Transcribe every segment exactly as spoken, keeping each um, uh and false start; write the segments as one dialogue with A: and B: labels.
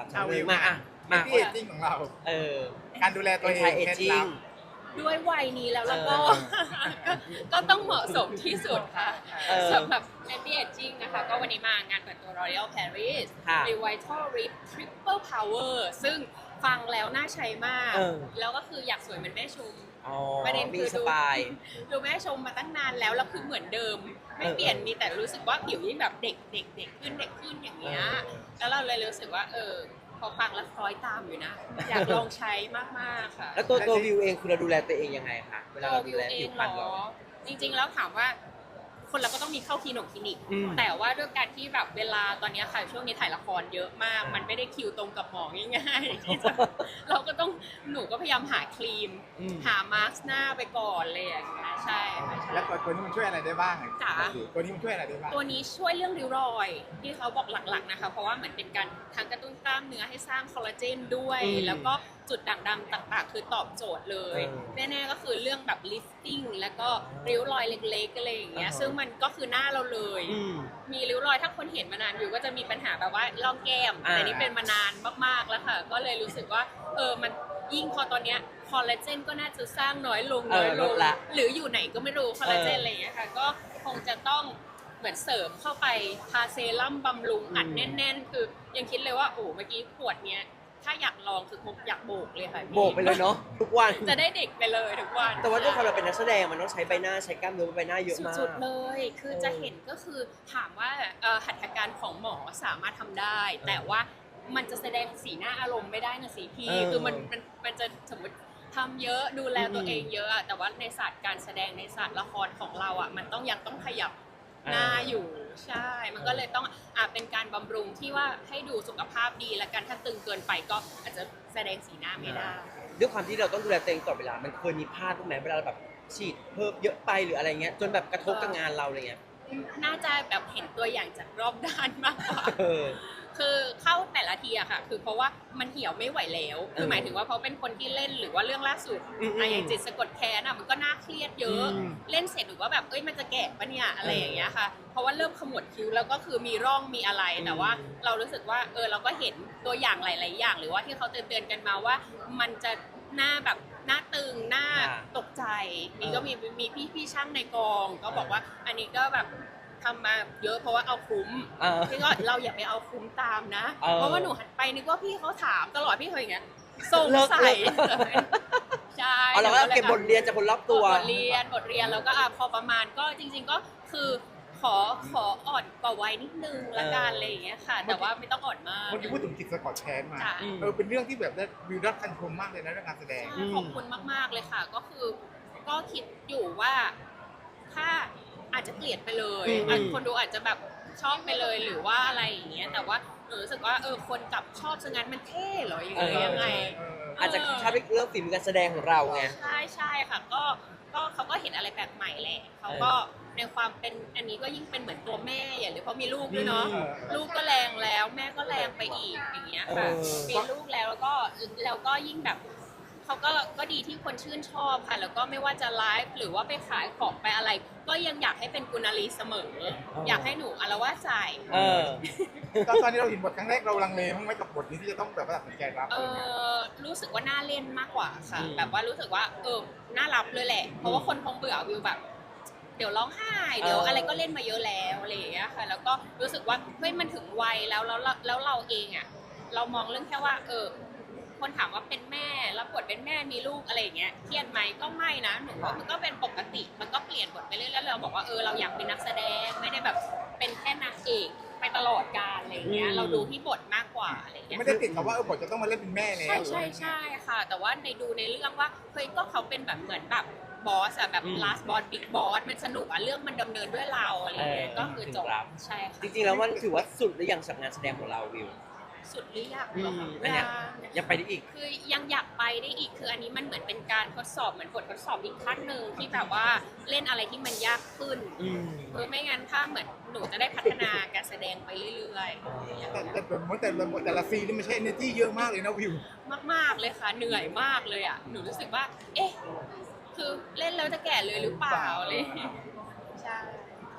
A: ครับ
B: เอาวิว
A: มาอ่ะมา
B: ที่เอจจิ้งของเรา
A: เออ
B: การดูแลตัวเอง
A: เอ
B: เคล็ด
A: จิ้
B: ลั
A: ง
B: บ
C: ด้วยวัยนี้แล้วแล้วก็
A: เออ
C: ก็ก็ต้องเหมาะสมที่สุดค่ะ
A: เออ
C: สำหรับ anti aging นะคะ ก็วันนี้มางานเปิดตัว L'Oreal Paris
A: ค่ะ
C: Revital Rip Triple Power ซึ่งฟังแล้วน่าใช้มาก
A: เออ
C: แล้วก็คืออยากสวยเหมือนแม่ชม
A: อ๋อ
C: ประเด็น
A: มี
C: คือ
A: ส
C: ดู
A: ปาย
C: ดูแม่ชมมาตั้งนานแล้วแล้วคือเหมือนเดิม ไม่
A: เออ
C: เปลี่ยนมีแต่รู้สึกว่าผิวยิ่งแบบเด็กเด็กเด็กขึ้นเด็กขึ้นอย่างเงี้ย
A: เออ
C: แล้วเราเลยรู้สึกว่าเออพอฟังแล้วคล้อยตามอยู่นะ อยากลองใช้มากๆค่ะ
A: แล้วตัวตัววิวเองคือเราดูแลตัวเองยังไงคะเวลา
C: ตัว
A: เรา
C: วิ
A: ดู
C: ว
A: แล
C: เอ
A: ผิ
C: ง
A: ว
C: เห
A: พร
C: ร
A: รณเรา
C: อจริงๆแล้วถามว่าคนเราก็ต้องมีเข้าคลินิกคลินิก
A: อืม
C: แต่ว่าด้วยการที่แบบเวลาตอนนี้ค่ะช่วงนี้ถ่ายละครเยอะมาก มันไม่ได้คิวตรงกับหมอง่ายๆที่จะเราก็ต้องหนูก็พยายามหาครีม
A: อืม
C: หามาร์กหน้าไปก่อนเลยอย่างเงี้ยใช่ค่ะใช่
B: แล้วตัวนี้มันช่วยอะไรได้บ้างอะ
C: จ๋า
B: ตัวนี้มันช่วยอะไรได้บ้าง
C: ตัวนี้ช่วยเรื่องริ้วรอยที่เขาบอกหลักๆนะคะเพราะว่าเหมือนเป็นการทั้งกระตุ้นกล้ามเนื้อให้สร้างคอลลาเจนด้วย
A: อืม
C: แล้วก็จุดด่างดำต่างๆ คือตอบโจทย์เลย
A: เออ
C: แน่ๆก็คือเรื่องแบบลิฟติ้งแล้วก็ริ้วรอยเล็กๆอะไรอย่างเงี้ย
A: อ่าฮะ
C: ซึ่งมันก็คือหน้าเราเลย
A: อืม
C: มีริ้วรอยถ้าคนเห็นมานานอยู่ก็จะมีปัญหาแบบว่าร่องแก้ม
A: อ่า
C: แต่นี่เป็นมานานมากๆแล้วค่ะ ก็เลยรู้สึกว่าเออมันยิ่งพอตอนเนี้ยคอลลาเจนก็น่าจะสร้างน้อยลง
A: เอ
C: น้
A: อ
C: อยล
A: ล
C: ง
A: ดละ
C: หรืออยู่ไหนก็ไม่รู้คอลลาเจน
A: เอออ
C: อะไรอย่างเงี้ยค่ะก็คงจะต้องเหมือนเสริมเข้าไปทาเซรั่มบำรุงอัด
A: อืม
C: แน่น ๆ คือยังคิดเลยว่าโอ้เมื่อกี้ขวดเนี้ยถ้าอยากลองคือคงอยากโบกเลยค่ะพี่
A: โบกไปเลยเนาะทุกวัน
C: จะได้เด็กไปเลยทุกวัน
A: แต่ว่าด้วยความเราเป็นนักแสดงมันต้องใช้ใบหน้าใช้กล้ามเนื้อบนใบหน้าเยอะมาก
C: สุดๆเลย คือ
A: เออ
C: จะเห็นก็คือถามว่าเอ่อหัตถการของหมอสามารถทำได้ แต่ว่ามันจะแสดงสีหน้าอารมณ์ไม่ได้นะสิพี่
A: เออ
C: คือมันมันมันจะสมมติทำเยอะดูแลตัว
A: อืม
C: เองเยอะอะแต่ว่าในศาสตร์การแสดงในศาสตร์ละครของเราอ่ะมันต้องยังต้องขยับหน้า
A: อ่า
C: อยู่ใช่ มันก็เลยต้องอ่ะเป็นการบำรุงที่ว่าให้ดูสุขภาพดีและกันถ้าตึงเกินไปก็อาจจะแสดงสีหน้าไม่ได้
A: ด้วยความที่เราต้องดูแลตัวเองตลอดเวลา มันเคยมีพลาดบ้างไหมเวลาเราแบบฉีดเพิ่มเยอะไปหรืออะไรเงี้ยจนแบบกระทบกับงานเราอะไรเงี้ย
C: น่าจะแบบเห็นตัวอย่างจากรอบด้านมากกว่า
A: เออ
C: คือเข้าแต่ละทีอะค่ะ คือเพราะว่ามันเหี่ยวไม่ไหวแล้ว คือ
A: เออ
C: หมายถึงว่าเพราะเป็นคนที่เล่นหรือว่าเรื่องล่าสุด
A: อืมๆ
C: อะอย่างจิตสะกดแค้นอะมันก็น่าเครียดเยอะ
A: อืม
C: เล่นเสร็จหรือว่าแบบเอ้ยมันจะแก่ปะเนี่ยอะไรอย่างเงี้ยค่ะ เพราะว่าเริ่มขมวดคิ้วแล้วก็คือมีร่องมีอะไร
A: อืม
C: แต่ว่าเรารู้สึกว่าเออเราก็เห็นตัวอย่างหลาย ๆ อย่าง หรือว่าที่เขาเตือนๆกันมาว่า มันจะหน้าแบบหน้าตึงหน้า
A: อ่า
C: ตกใจนี่ก็มีมีพี่พี่ช่างในกองก็บอกว่าอันนี้ก็แบบทำมาเยอะเพราะว่าเอาคุ้ม
A: เออ
C: พี่ก็เราอย่าไปเอาคุ้มตามนะ
A: เออ
C: เพราะว่าหนูหันไปนึกว่าพี่เขาถามตลอดพี่เคยอย่างเงี้ยสง
A: เลิก
C: สัย
A: เลิก
C: ใช่
A: เอาเราก็เก็บบทเรียนจากคนรอบตัว
C: บทเรียนบทเรียนแล้วก็อ่ะพอประมาณก็จริง ๆก็คือขอขออ่อนกว่าวัยนิดนึงละกันอะไรอย่างเงี้ยค่ะ แต่ว่าไม่ต้องอ่อนมาก
B: เมื่อกี้พูดถึงจิตสะกดแค้นมา
C: จ้ะ
B: เออเป็นเรื่องที่แบบได้วิวรับคันชมมากเลยนะเรื่องการแสดง
C: ใช่ขอบคุณมาก ๆ เลยค่ะ ก็คือก็คิดอยู่ว่าถ้าอาจจะเกลียดไปเลย
A: อืม
C: อาจคนดูอาจจะแบบชอบไปเลยหรือว่าอะไรอย่างเงี้ยแต่ว่าหนูรู้สึกว่าเออคนกลับชอบซะงั้นมันเท่เหรออย่างเงี้ยยังไง
A: อาจจะชอบเรื่องฝีมือการแสดงของเราไง
C: ใช่ใช่ค่ะก็ก็เขาก็เห็นอะไรแปลกใหม่แหละเขาก็ในความเป็นอันนี้ก็ยิ่งเป็นเหมือนตัวแม่อย่างหรือเพราะมีลูกด้วยเนาะ
A: อืม
C: ลูกก็แรงแล้วแม่ก็แรงไปอีกอย่างเงี้ยค่ะ
A: เออ
C: มีลูกแล้วแล้วก็แล้วก็ยิ่งแบบเขาก็ก็ดีที่คนชื่นชอบค่ะ แล้วก็ไม่ว่าจะไลฟ์หรือว่าไปขายของไปอะไร ก็ยังอยากให้เป็นกุณาลีเสมอ อยากให้หนูอารวาสใส่
A: เออ
B: ตอนตอนที่เราเห็นบทครั้งแรกเราลังเลมั้งไหมกับบทนี้ที่จะต้องแบบว่าตัดสินใจรับ
C: เออรู้สึกว่าน่าเล่นมากกว่าค่ะ
A: อืม
C: แบบว่ารู้สึกว่าเออน่ารับเลยแหละ เพราะว่าคนคงเบื่อวิวแบบ เดี๋ยวร้องไห้เดี๋ยว
A: เอออ
C: อะไรก็เล่นมาเยอะแล้วอะไรอย่างเงี้ยค่ะ แล้วก็รู้สึกว่าเฮ้ยมันถึงวัยแล้วแล้วแล้วแล้วเราเองอ่ะเรามองเรื่องแค่ว่า เออ คนถามว่าเป็นแม่รับบทเป็นแม่มีลูกอะไรอย่างเงี้ยเครียดไหมก็ไม่นะหนูว่ามันก็เป็นปกติมันก็เปลี่ยนบทไปเรื่อยๆแล้วเราบอกว่าเออเราอยากเป็นนักแสดงไม่ได้แบบเป็นแค่นางเอกไปตลอดกาลอะไรอย่างเงี้ย
A: อืม
C: เราดูที่บทมากกว่าอะไรอย่างเงี้ย
B: ไม่ได้ติดกับว่าเออบทจะต้องมาเล่นเป็นแม่แล้ว
C: ใช่ใช่ใช่ค่ะ แต่ว่าในดูในเรื่องว่าเฮ้ยก็เขาเป็นแบบเหมือนแบบบอสอะแบบ
A: อืม
C: last boss big boss มันสนุกอะเรื่องมันดำเนินด้วยเราอะไรอย่างเงี้ย
A: เออ
C: ก็คือจบ
A: ถึงรับ
C: ใช่ค่ะ
A: จริงๆแล้วมันถือว่าสุดหรือยังสำงานแสดงของเราวิว
C: สุดหรือยัง
A: อื
C: เหรอ
A: ม
C: คะ
A: อันเนี้ย
C: ยัง
A: ยังไปได้อีก
C: คือยังอยากไปได้อีกคืออันนี้มันเหมือนเป็นการทดสอบเหมือนบททดสอบอีกขั้นหนึ่งที่แบบว่าเล่นอะไรที่มันยากขึ้น
A: อืม
C: เออไม่งั้นถ้าเหมือนหนูจะได้พัฒนาการแสดงไปเรื่อย
B: แต่แต่แต่บทแต่ละบทแต่ละซีนนี่มันใช้ energy เยอะมากเลยนะวิว
C: ๆ มากๆเลยค่ะเหนื่อยมากเลยอ่ะหนูรู้สึกว่า เอ๊ะ คือเล่นแล้วจะแก่เลยหรือเปล่าอะไรอย่างเลยใช่
B: แ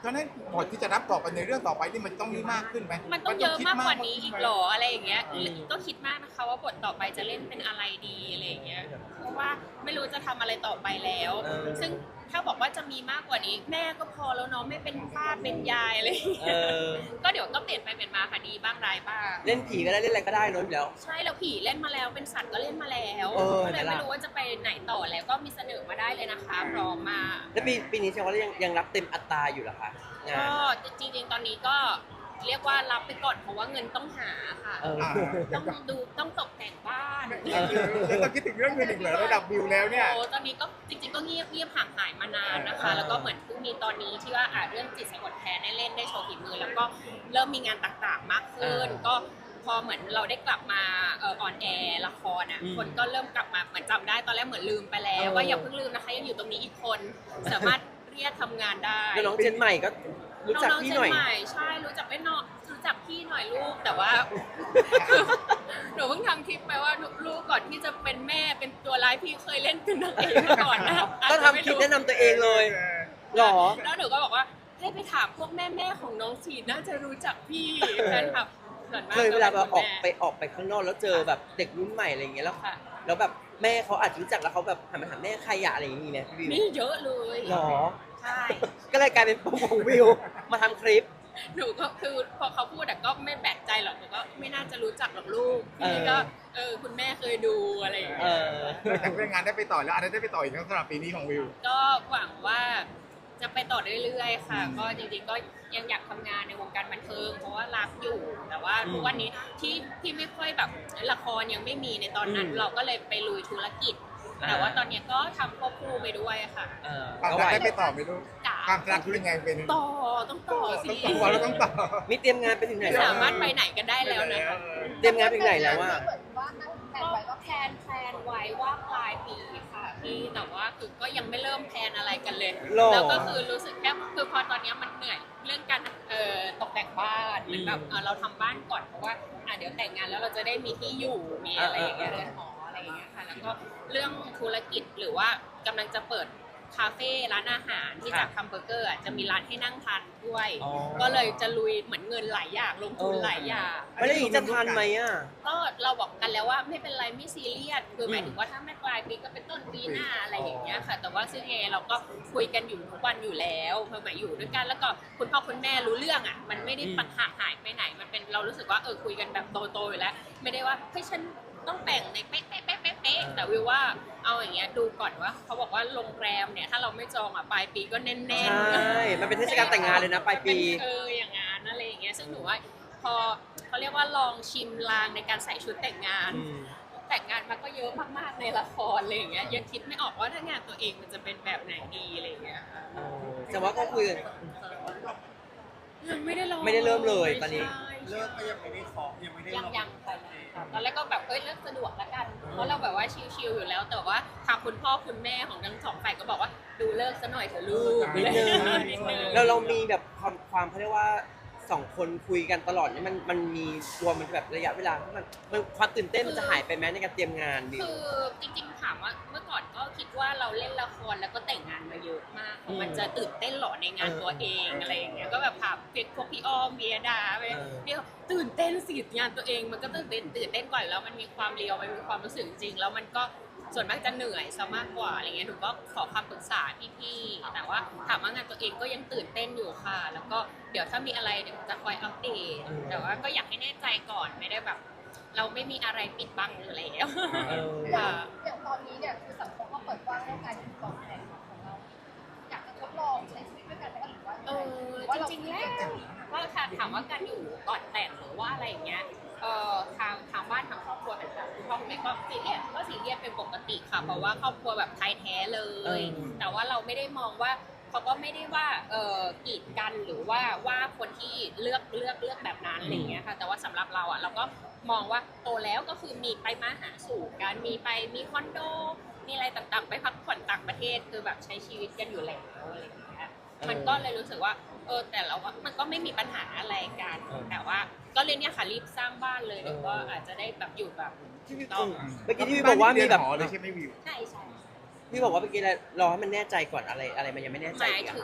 B: เพราะฉะนั้นบทที่จะรับต่อไปในเรื่องต่อไปนี่มันต้องมีมากขึ้นไหม
C: มันต้องเยอะมากกว่านี้
B: คิด
C: อีก
B: ขึ้
C: หรออะไรอย่างเงี้ย
A: อืม
C: ก็คิดมากนะคะว่าบทต่อไปจะเล่นเป็นอะไรดีอะไรอย่างเงี้ยเพราะว่าไม่รู้จะทำอะไรต่อไปแล้ว
A: เออ
C: ซึ่งถ้าบอกว่าจะมีมากกว่านี้ แม่ก็พอแล้วเนาะไม่เป็นป้าเป็นยายอะไรอย่าง
A: เอ
C: เงี้ย
A: อ
C: ก็เดี๋ยวก็เปลี่ยนไปเปลี่ยนมาค่ะดีบ้างร้ายบ้าง
A: เล่นผีก็ได้เล่นอะไรก็ได้เนอะอยู่แล้ว
C: ใช่แล้วผีเล่นมาแล้วเป็นสัตว์ก็เล่นมาแล้ว
A: เออ
C: ก็เลย
A: นั่นแห
C: ไม่
A: ละ
C: รู้ว่าจะไปไหนต่อแล้วก็มีเสนอมาได้เลยนะคะพร้อมมา
A: แล้วปีปีนี้แสดงว่ายังยังรับเต็มอัตราอยู่เหรอคะงาน
C: ก็จริงๆตอนนี้ก็เรียกว่ารับไปก่อนเพราะว่าเงินต้องหาค่ะ
A: เออ
B: อ่า
C: ต้องดูต้องตกแต่งบ้าน
B: แล้วต้องคิดถึงเรื่องเงินอีกเหรอระดับวิวแล้วเนี่ย
C: โอ้ตอนนี้ก็จริงๆก็เงียบเงียบห่างหายมานานนะคะ
A: อ่า
C: แล้วก็เหมือนเพิ่งมีตอนนี้ที่ว่าอ่าเรื่องจิตสะกดแค้นได้เล่นได้โชว์ฝีมือ แล้วก็เริ่มมีงานต่างๆมากขึ้น ก็พอเหมือนเราได้กลับมาเออออนแอร์ละครอ่ะ
A: อืม
C: คนก็เริ่มกลับมาเหมือนจำได้ตอนแรกเหมือนลืมไปแล้ว
A: เออ
C: ว่าอย่าเพิ่งลืมนะคะยังอยู่ตรงนี้อีกคน สามารถเรียกทำงานได้
A: แล้วน้องเจนใหม่ก็รู้จักพี่หน่อย
C: งๆเจใม่ใช่รู้จักไม่นอกรู้จักพี่หน่อยลูกแต่ว่า หนูเพิ่งทำคลิปไปว่าลูกก่อนที่จะเป็นแม่เป็นตัวร้ายพี่เคยเล่นเป็นนางเอกมาก่อนนะ
A: ก็ทำคลิปแนะนำตัวเองเลยหรอ
C: แล้วหนูก็บอกว่าให้ไปถามพวกแม่แม่ๆของน้องชีน่าจะรู้จักพี่แฟนคลับส่วนมาก
A: เคยเวลาแบบอ
C: ก็
A: อก
C: ป็นคุณแม่
A: ไปออกไปข้างนอกแล้วเจอแบบเด็กรุ่นใหม่อะไรอย่างเงี้ยแล้ว
C: ค่ะ
A: แล้วแบบแม่เขาอาจจะรู้จักแล้วเขาแบบหันมาถามแม่ใครอะอะไรอย่างงี้ไหมพี่วิว
C: นี่เยอะเลย
A: หรอ
C: ใช่
A: ก็เลยกลายเป็นโปรโมทวิวมาทำคลิป
C: หนูก็คือพอเขาพูดแต่ก็ไม่แปลกใจหรอกหนูก็ไม่น่าจะรู้จักหรอกลูก
A: เออ
C: พี่ก็เออคุณแม่เคยดูอะไรอย่าง
A: เอ
C: เงี้ย
A: อ
B: นอกจากเรื่องงานได้ไปต่อแล้วอะไรได้ไปต่ออีกสำหรับปีนี้ของวิว
C: ก็หวังว่าจะไปต่อเรื่อยๆค่ะ ก็จริงๆก็ยังอยากทำงานในวงการบันเทิงเพราะว่ารักอยู่แต่ว่า
A: อืม
C: ทุกวันนี้ที่ที่ไม่ค่อยแบบละครยังไม่มีในตอนนั้น
A: อืม
C: เราก็เลยไปลุยธุรกิจ
A: อ่า
C: แต่ว่าตอนนี้ก็ทำควบคู่ไปด้วยค่ะ
A: เออ
B: ความ
A: ก็
B: รั
A: ไห
B: ก
A: ว
B: ได้ไปต่อไหมลูก
C: จ๋า
B: ความรักคือยังไงเป็น
C: ต่อต้องต่อสิ
B: ต้องต่อแล้วต้องต่อ
A: มีเตรียมงานไปถึงไหน
C: ไม่
A: แล้ว
C: สามารถไปไหนกันได้แล้วนะคะ
A: เตรียมงานไปถึงไหนแล้วว่า
D: เหมือนว่าตั้งแผนไว้ก็
C: แพลนแพลนไว้ว่าปลายปีค่ะพี่แต่ว่าคือก็ยังไม่เริ่มแพลนอะไรกันเลย
A: หรอ
C: แล้วก็คือรู้สึกแค่คือพอตอนนี้มันเหนื่อยเรื่องการเอ่อตกแต่งบ้านเหมือนแบบเอ่อเราทำบ้านก่อนเพราะว่าอ่ะเดี๋ยวแต่งงานแล้วเราจะได้มีที่อยู่มีอะไรอย่างเงี้ยเรือนหออะไรอย่างเงี้ยค่ะแล้วก็เรื่องธุรกิจหรือว่ากำลังจะเปิดคาเฟ่ร้านอาหารที่จากทำเบอร์เกอร์อ่ะจะมีร้านให้นั่งทานด้วย
A: อ๋อ
C: ก็เลยจะลุยเหมือนเงินหลายอย่างลงทุนหลายอย่าง
A: ไม่ได้วอย่างงี้จะทันไหมอ่ะ
C: ก็เราบอกกันแล้วว่าไม่เป็นไรไม่ซีเรียสคือหมายถึงว่าถ้าไม่ปลายปีก็เป็นต้นปีหน้าอะไรอย่างเงี้ยค่ะ แต่ว่าซึ่งเอเราก็คุยกันอยู่ทุกวันอยู่แล้วเมื่อหมายอยู่ด้วยกันแล้วก็คุณพ่อคุณแม่รู้เรื่องอ่ะมันไม่ได้
A: อืม
C: ปัญหาหายไปไหนมันเป็นเรารู้สึกว่าเออคุยกันแบบโตๆอยู่แล้ว ไม่ได้ว่าเฮ้ยฉันต้องแต่งในเป๊ะเป๊ะเป๊ะเป๊ะเป๊ะแต่วิวว่าเอาอย่างเงี้ยดูก่อนว่าเขาบอกว่าโรงแรมเนี่ยถ้าเราไม่จองอ่ะปลายปีก็แน่น
A: ใช่
C: ๆ
A: มันเป็นเทศกาลแต่งงานเลยนะปลายปี
C: เอออย่างงั้นอะไรอย่างเงี้ยซึ่งหนูว่าพอเขาเรียกว่าลองชิมลางในการใส่ชุดแต่งงาน
A: อืม
C: แต่งงานมาก็เยอะมากๆในละครอะไรอย่างเงี้ยยังคิดไม่ออกว่าถ้างานตัวเองมันจะเป็นแบบไหนดีอะไรอย่างเงี้ยค่ะ
A: เออแต่ว่าก็คุยกัน
C: ยังไม่ได้ลอง
A: ไม่ได้เริ่มเลยตอนนี้
C: ใช่
E: เลิกก็ยังไม่ได้ขอยังไม่ได้
C: ยัง
E: ลง
C: ยังไปตอนแรกก็แบบเอ้ยเลิกสะดวกแล้วกันเพราะเราแบบว่าชิลๆอยู่แล้ว แต่ว่าทางคุณพ่อคุณแม่ของทั้งสองฝ่ายก็บอกว่าดูเลิกซะหน่อยเถอะลูก
A: นิดนึง
C: นิดนึง
A: แล้วเรามีแบบความความเขาเรียกว่าสองคนคุยกันตลอดเนี่ยมันมันมีกลัวมันแบบระยะเวลาที่มันมันความตื่นเต้นมันจะหายไปไหมในการเตรียมงานบิว
C: คือจริงๆถามว่าเมื่อก่อนก็คิดว่าเราเล่นละครแล้วก็แต่งงานมาเยอะมาก
A: อืม
C: มันจะตื่นเต้นเหรอในงานตัวเองอะไรอย่างเงี้ยก็แบบถามพวกพี่อ้อมเบียดาไป
A: เออ
C: เดี๋ยวตื่นเต้นสิงานตัวเองมันก็ตื่นเต้นตื่นเต้นกว่าแล้วมันมีความเรียวมันมีความรู้สึกจริงแล้วมันก็ส่วนมากจะเหนื่อยซะมากกว่าอะไรเงี้ยหนูก็ขอคำปรึกษาพี่ๆแต่ว่าถามว่างานตัวเองก็ยังตื่นเต้นอยู่ค่ะ แล้วก็เดี๋ยวถ้ามีอะไรเดี๋ยวจะคอยอัปเดตแต่ว่าก็อยากให้แน่ใจก่อนไม่ได้แบบ เราไม่มีอะไรปิดบังอยู่แล้ว
A: เออ
C: ค่ะ
D: อย่างตอนนี้เนี่ยคือสังคมก็เปิดกว้างเรื่องการเป็นกองแข่งของเรา อยากจะทดลองใช้ชีวิตด้วยกันไหมหรือว่า
C: เออจริงๆแล้วว่าถ้าถามว่าการอยู่ก่อนแต่งหรือว่าอะไรอย่างเงี้ยเอ่อทางทางบ้านทางครอบครัวต่างๆคุณพ่อคุณแม่ก็ซีเรียสก็ซีเรียสเป็นปกติค่ะเพราะว่าครอบครัวแบบไทยแท้เล
A: เอย อ
C: แต่ว่าเราไม่ได้มองว่าเขาก็ไม่ได้ว่าเอ่อกีดกันหรือว่าว่าคนที่เลือกเลือกเลือกแบบนั้นอะไรอย่างเงี้ยค่ะแต่ว่าสำหรับเราอ่ะเราก็มองว่าโตแล้วก็คือมีไปมาหาสู่กันมีไปมีคอนโดมีอะไรต่างๆ ไปพักผ่อนต่างประเทศคือแบบใช้ชีวิตกันอยู่แล้วอะไรอย่างเงี้ย มันก็เลยรู้สึกว่าเออแต่เราว่ามันก็ไม่มีปัญหาอะไรกัน
A: เออ
C: แต่ว่าก็เลยเนี่ยค่ะรีบสร้างบ้านเลย
A: เออ
C: เดี๋ยวก็อาจจะได้แบบอยู่แบบ
A: ที่พี่
C: ต้อง
A: เมื่อกี้ที่พี่บอกว่ามีแบบ
B: หอเลยใช่ไหมวิว
C: ใช่ใช่
A: พี่บอกว่าเมื่อกี้รอให้มันแน่ใจก่อนอะไรอะไรมันยังไม่แน่
C: ห
A: ใจ
C: มาย
A: อีก
C: ถึ
A: อะ
C: ง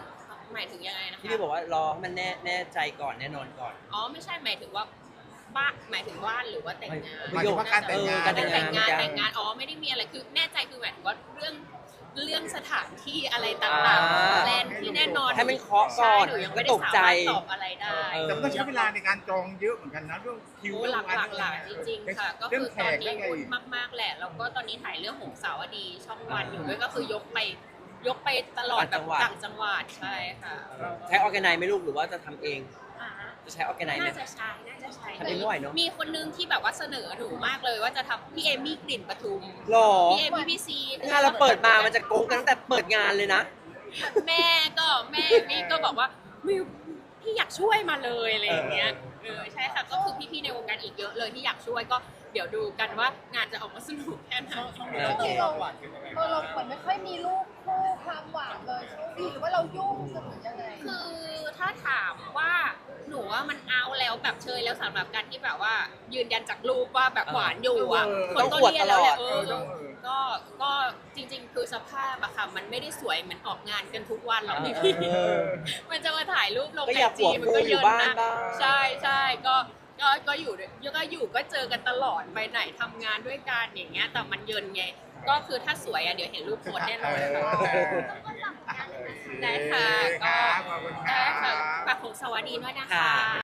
C: หมายถึงยังไงนะคะ
A: ที่พี่บอกว่ารอให้มันแน่แน่ใจก่อนแน่นอนก่อน
C: อ๋อไม่ใช่หมายถึงว่าบ้านหมายถึงบ้านหรือว่าแต่งงาน
B: หมายถึงว่าการแต่งงาน
A: เออการแต่งงาน
C: แต่งงานแต่งงานอ๋อไม่ได้มีอะไรคือแน่ใจคือหมายถึงว่าเรื่องเรื่องสถานที่อะไรต่าง
A: อ่า
C: ๆแลนด์ที่แน่นอน
A: ให้มันเคาะก่อน
C: ใช่หนูยังไม่ได้
A: ตก
C: สา
A: ใจ
C: มารถตอบอะไรได้
A: เออ
B: แต่มันต้องใช้เวลาในการจองเยอะเหมือนกันนะเรื่องคิว
C: โอ้
B: เรื่
C: หลาก
B: วัน
C: หลากหลายจริงๆค่ะ ก็
B: เรื่
C: คือ
B: แข
C: ตอน
B: กเรื่
C: นี้
B: องอะไร
C: วุ่น
B: อีก
C: มากๆแหละ แล้วก็ตอนนี้ถ่ายเรื่องหงสาวดีช่องวันอยู่ด้วยก็คือยกไปยกไปตลอดแบบต่างจังหวัดใช่ค่ะ
A: ใช้ออร์แกไนซ์ไหมลูกหรือว่าจะทำเอง
C: อ่า
A: จะใช้ออร์แกไนซ์ไหม
C: น่าจะใช้น่าจะใช้
A: ทำเองไม่ไหวเนอะ
C: มีคนนึงที่แบบว่าเสนอหนูมากเลยว่าจะทำพี่เอมี่กลิ่นปทุม
A: หรอ
C: พี่เอมี่พี่ซี
A: งานเราเปิดมามันจะโกงกันตั้งแต่เปิดงานเลยนะ
C: แม่ก็แม่นี่ก็บอกว่ามิวพี่อยากช่วยมาเลยอะไรอย่างเงี้ยเออใช่ค่ะก็คือพี่ๆในวงการอีกเยอะเลยที่อยากช่วยก็เดี๋ยวดูกันว่างานจะออกมาสนุกแค่ไหน
D: จริงๆเราเออเราเหมือนไม่ค่อยมีลูกคู่ความหวานเลยช่วงนี้หรือว่าเรายุ่งกันหรือยังไง
C: คือถ้าถามว่าหนูว่ามันเอาแล้วแบบเชยแล้วสำหรับการที่แบบว่า ยืนยันจากรูปว่าแบบหวานอยู่อ่ะ
B: เออ
C: คนก็เรียนแล้วแหละเออ
B: ต้องอวดตลอด
C: ก็ก็จริงๆ คือสภาพอะค่ะมันไม่ได้สวยเหมือนออกงานกันทุกวันหรอกพี่
A: เออ
C: มันจะมาถ่ายรูปลง
A: ก็
C: ไอ
A: อยาก
C: จี
A: หัว
C: มัน
A: ฟู
C: ก็
A: อ
C: เย
A: ยู่
C: อะ
A: บ้าน
C: นะ
A: บ้าง
C: ใช่ใช่ก็ก็ก็อยู่ด้วยก็อยู่ก็เจอกันตลอดไปไหนทำงานด้วยกันอย่างเงี้ยแต่มันเยินไงก็คือถ้าสวยอะเดี๋ยวเห็นรูปโพสแน่นอนค่ะได้ค่ะก็
B: ครับขอบคุณค
C: ได้
B: รั
C: ค่ะ
B: บ
C: ฝากของสวัสดีด้วยนะคะ
A: ค่ะ